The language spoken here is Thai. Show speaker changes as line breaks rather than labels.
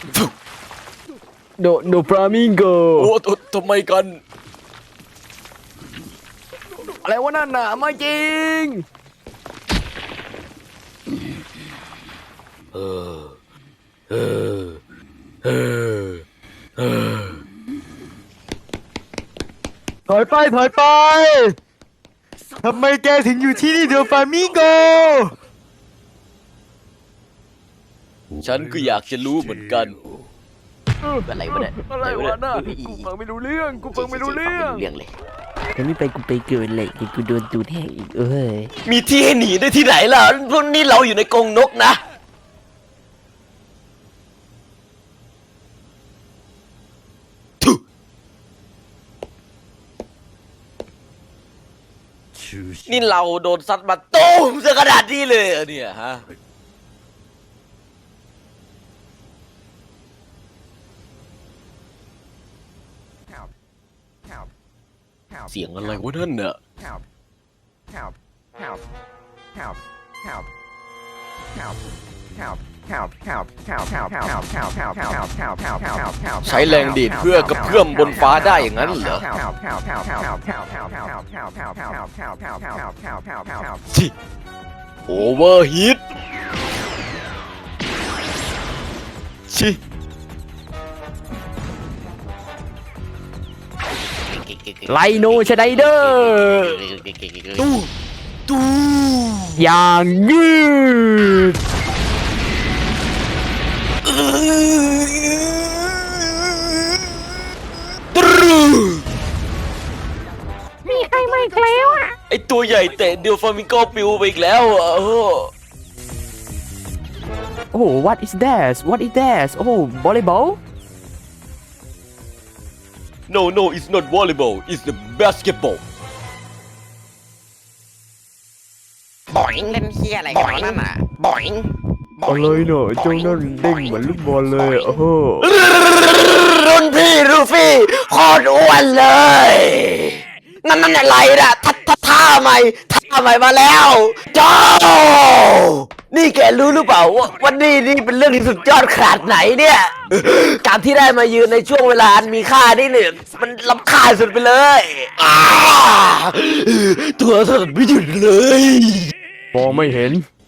โดฟลามิงโก
โอ้ทำไมกัน
อะไรวะนั่นน่ะไม่จริง
เออเออเออเออ
ถอยไปทำไมแกถึงอยู่ที่นี่โดฟลามิงโก
ฉันก็อยากจะรู้เหมือนกัน
อะไรวะเนี่ย
อะไรวะน่ะกูฟังไม่รู้เรื่อง
เลย
จะไม่ไปกูไปเกินเลยเดี๋ยวกูโดนตูดแหกอีกเอ้ย
มีที่ให้หนีได้ที่ไหนล่ะพวกนี้เราอยู่ในกรงนกนะทุนี่เราโดนซัดมาตูมซะขนาดนี้เลยเหรอเนี่ยฮะเสียงอะไรวะนั่นน่ะใช้แรงดีดเพื่อกระเพื่อมบนฟ้าได้อย่างนั้นเหรอชิโอเวอร์ฮีทชิ
ไลโนชไนเดอร์
ตู้
อย่างยืด
มีใครมาอีกแล้วอ่ะ
ไอตัวใหญ่เตะเดียวฟลามิงโกปิวไปอีกแล้วอ่ะ
โอ้ what is thatโอ้ volleyball
No it's not volleyball it's the basketball
บ่อยเล่นเฮียอะไรกันวะนั่นน่ะบ่อย
อะไรเนอะเจ้านั่นเด้งเหมือนลูกบอลเลยโอ้โห
รุ่นพี่ลูฟี่โคตรอ้วนเลยนั่นอะไรน่ะท่าใหม่มาแล้วโจนี่แกรู้หรือเปล่าว่าวันนี้นี่เป็นเรื่องที่สุดยอดขนาดไหนเนี่ยการที่ได้มายืนในช่วงเวลาอันมีค่านี่เนี่ยมันล้ำค่าสุดไปเลยตัวสั่นไม่หยุดเลย
มองไม่เห็น